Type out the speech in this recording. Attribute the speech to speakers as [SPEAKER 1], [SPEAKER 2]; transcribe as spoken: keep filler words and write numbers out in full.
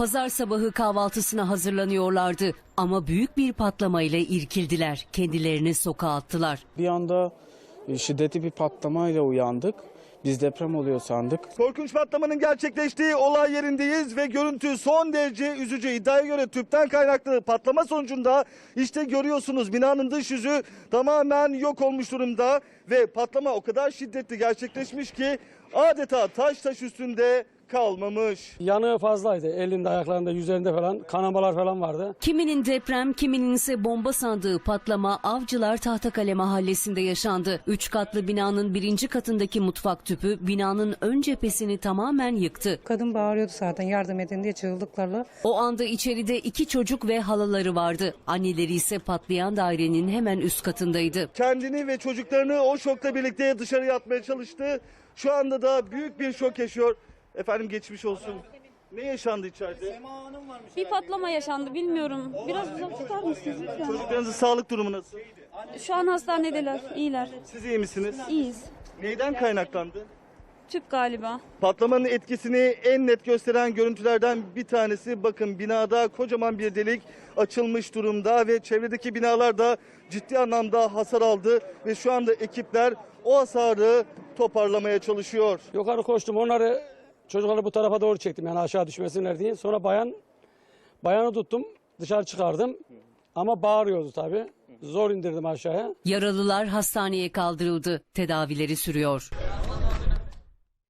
[SPEAKER 1] Pazar sabahı kahvaltısına hazırlanıyorlardı ama büyük bir patlamayla irkildiler. Kendilerini sokağa attılar.
[SPEAKER 2] Bir anda şiddetli bir patlamayla uyandık. Biz deprem oluyor sandık.
[SPEAKER 3] Korkunç patlamanın gerçekleştiği olay yerindeyiz ve görüntü son derece üzücü. İddiaya göre tüpten kaynaklı patlama sonucunda işte görüyorsunuz binanın dış yüzü tamamen yok olmuş durumda ve patlama o kadar şiddetli gerçekleşmiş ki adeta taş taş üstünde kalmamış.
[SPEAKER 4] Yanığı fazlaydı. Elinde, ayaklarında, yüzlerinde falan kanamalar falan vardı.
[SPEAKER 1] Kiminin deprem, kiminin ise bomba sandığı patlama Avcılar Tahtakale mahallesinde yaşandı. Üç katlı binanın birinci katındaki mutfak tüpü binanın ön cephesini tamamen yıktı.
[SPEAKER 5] Kadın bağırıyordu zaten yardım edin diye çığlıklarla.
[SPEAKER 1] O anda içeride iki çocuk ve halaları vardı. Anneleri ise patlayan dairenin hemen üst katındaydı.
[SPEAKER 3] Kendini ve çocuklarını o şokla birlikte dışarıya atmaya çalıştı. Şu anda da büyük bir şok yaşıyor. Efendim geçmiş olsun. Ne yaşandı içeride?
[SPEAKER 6] Bir patlama yaşandı bilmiyorum. Biraz uzak tutar mısınız lütfen?
[SPEAKER 3] Çocuklarınızın sağlık durumu nasıl?
[SPEAKER 6] Şu an hastanedeler, iyiler.
[SPEAKER 3] Siz iyi misiniz?
[SPEAKER 6] İyiyiz.
[SPEAKER 3] Neyden kaynaklandı?
[SPEAKER 6] Tüp galiba.
[SPEAKER 3] Patlamanın etkisini en net gösteren görüntülerden bir tanesi bakın binada kocaman bir delik açılmış durumda ve çevredeki binalar da ciddi anlamda hasar aldı ve şu anda ekipler o hasarı toparlamaya çalışıyor.
[SPEAKER 4] Yukarı koştum, onları çocukları bu tarafa doğru çektim yani aşağı düşmesinler diye. Sonra bayan bayanı tuttum, dışarı çıkardım ama bağırıyordu tabii. Zor indirdim aşağıya.
[SPEAKER 1] Yaralılar hastaneye kaldırıldı. Tedavileri sürüyor.